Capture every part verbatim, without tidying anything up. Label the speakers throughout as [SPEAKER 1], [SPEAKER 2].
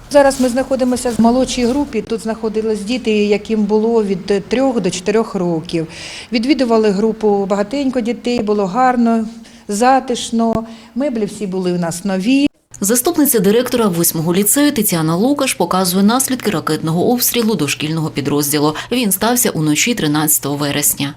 [SPEAKER 1] Зараз ми знаходимося в молодшій групі. Тут знаходились діти, яким було від трьох до чотирьох років. Відвідували групу багатенько дітей, було гарно, затишно. Меблі всі були у нас нові.
[SPEAKER 2] Заступниця директора восьмого ліцею Тетяна Лукаш показує наслідки ракетного обстрілу дошкільного підрозділу. Він стався уночі тринадцятого вересня.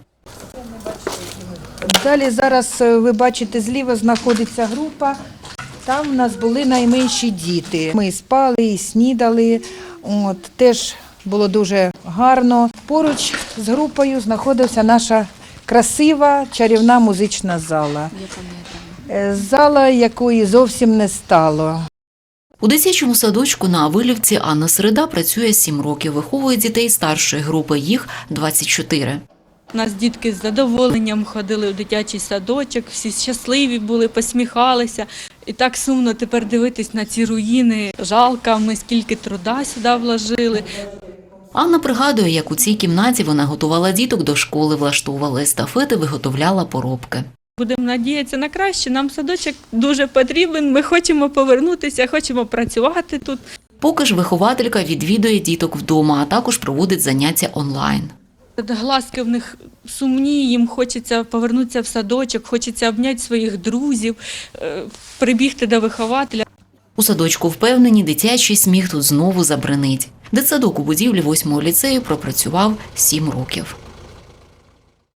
[SPEAKER 1] Далі зараз ви бачите, зліва знаходиться група. Там у нас були найменші діти. Ми спали і снідали. От, теж було дуже гарно. Поруч з групою знаходилася наша красива чарівна музична зала. Зала, якої зовсім не стало.
[SPEAKER 2] У дитячому садочку на Авилівці Анна Середа працює сім років, виховує дітей старшої групи, їх двадцять чотири.
[SPEAKER 3] У нас дітки з задоволенням ходили у дитячий садочок, всі щасливі були, посміхалися. І так сумно тепер дивитись на ці руїни. Жалко, ми скільки труда сюди вложили.
[SPEAKER 2] Анна пригадує, як у цій кімнаті вона готувала діток до школи, влаштовувала естафети, виготовляла поробки.
[SPEAKER 3] Будемо надіятися на краще, нам садочок дуже потрібен, ми хочемо повернутися, хочемо працювати тут.
[SPEAKER 2] Поки ж вихователька відвідує діток вдома, а також проводить заняття онлайн.
[SPEAKER 3] Глазки в них сумні, їм хочеться повернутися в садочок, хочеться обняти своїх друзів, прибігти до вихователя.
[SPEAKER 2] У садочку впевнені, дитячий сміх тут знову забринить. Дитсадок у будівлі восьмого ліцею пропрацював сім років.